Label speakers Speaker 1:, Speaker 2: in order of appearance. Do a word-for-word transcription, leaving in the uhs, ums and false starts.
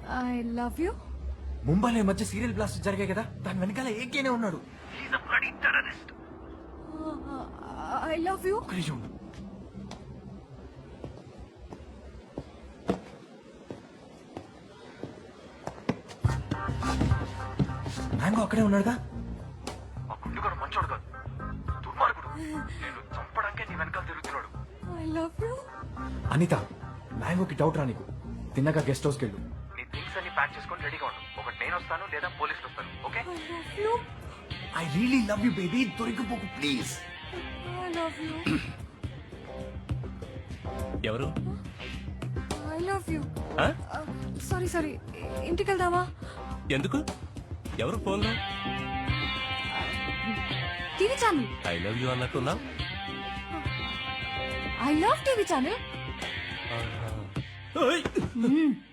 Speaker 1: I love you.
Speaker 2: ముంబైలో ఈ మధ్య సీరియల్ బ్లాస్ట్ జరిగాయి కదా, దాని వెనకాల ఏకేనే ఉన్నాడు.
Speaker 1: I love you.
Speaker 2: ఒక్క నిమిషం ఉండు. మ్యాంగో అక్కడే ఉన్నాడుగా. ఆ గుండుగాడు మంచోడు కాదు, దుర్మార్గుడు. నేను చంపడానికే నీ వెనకాల తిరుగుతున్నాడు.
Speaker 1: I love you.
Speaker 2: అనిత, మ్యాంగోకి డౌట్ రా నీకు. తిన్నాక గెస్ట్ హౌస్కి వెళ్ళు.
Speaker 3: నీ థింగ్స్ అన్ని ప్యాక్ చేసుకొని రెడీగా ఉండు. ఒకటి నేను వస్తాను లేదా పోలీసులు వస్తాను. Okay?
Speaker 1: I love you.
Speaker 2: I really love you baby. దొరికిపోకు ప్లీజ్.
Speaker 1: I love you.
Speaker 4: ఎవరు?
Speaker 1: I love you.
Speaker 4: ఆ?
Speaker 1: సారీ సారీ, ఇంటికి వెళ్దామా?
Speaker 4: ఎందుకు? ఎవరు ఫోన్లో?
Speaker 1: TV channel.
Speaker 4: I love you అన్నట్టున్నా.
Speaker 1: I love TV channel.